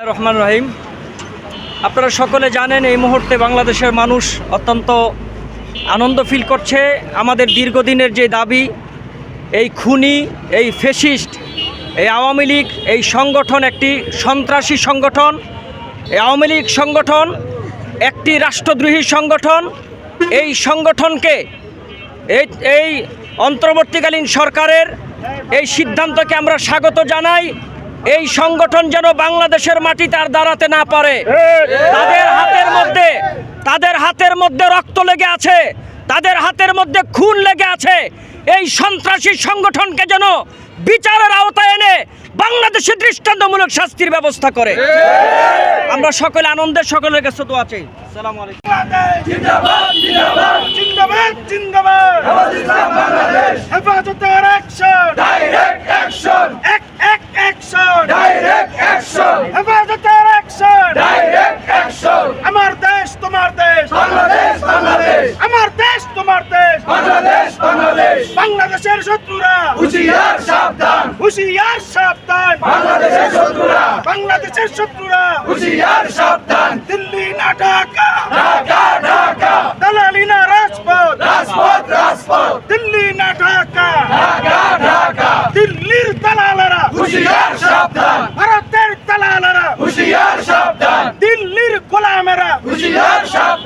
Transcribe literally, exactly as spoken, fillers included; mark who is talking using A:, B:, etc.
A: রহমান রহিম। আপনারা সকলে জানেন এই মুহূর্তে বাংলাদেশের মানুষ অত্যন্ত আনন্দ ফিল করছে। আমাদের দীর্ঘদিনের যে দাবি, এই খুনি, এই ফ্যাসিস্ট, এই আওয়ামী লীগ, এই সংগঠন একটি সন্ত্রাসী সংগঠন। এই আওয়ামী লীগ সংগঠন একটি রাষ্ট্রদ্রোহী সংগঠন। এই সংগঠনকে এই এই অন্তর্বর্তীকালীন সরকারের এই সিদ্ধান্তকে আমরা স্বাগত জানাই। এই সংগঠন যেন বাংলাদেশের মাটিতে আর দাঁড়াতে না পারে। তাদের হাতের মধ্যে তাদের হাতের মধ্যে রক্ত লেগে আছে, তাদের হাতের মধ্যে খুন লেগে আছে। এই সন্ত্রাসী সংগঠনকে যেন বিচারের আওতায় এনে বাংলাদেশে দৃষ্টান্তমূলক শাস্তির ব্যবস্থা করে। আমরা সকলে আনন্দের সকলের কাছে দোয়া চাই। আসসালামু আলাইকুম।
B: জিন্দাবাদ জিন্দাবাদ জিন্দাবাদ জিন্দাবাদ ইসলাম বাংলাদেশ হেফাজতের অ্যাকশন ডাইরেক্ট অ্যাকশন এক এক অ্যাকশন ডাইরেক্ট অ্যাকশন হেফাজতের অ্যাকশন ডাইরেক্ট অ্যাকশন আমার দেশ তোমার দেশ বাংলাদেশ বাংলাদেশ আমার দেশ তোমার দেশ বাংলাদেশ বাংলাদেশ বাংলাদেশের শত্রুরা হুঁশিয়ার সাবধান হুঁশিয়ার সাবধান বাংলাদেশের শত্রুরা বাংলাদেশের শত্রুরা হুঁশিয়ার সাবধান দিল্লি না ঢাকা ঢাকা ঢাকা দালালি না রাজপথ রাজপথ রাজপথ দিল্লি না ঢাকা ঢাকা ঢাকা দিল্লির দালালেরা হুঁশিয়ার সাবধান ভারতের দালালেরা হুঁশিয়ার সাবধান দিল্লির গোলামেরা হুঁশিয়ার সাবধান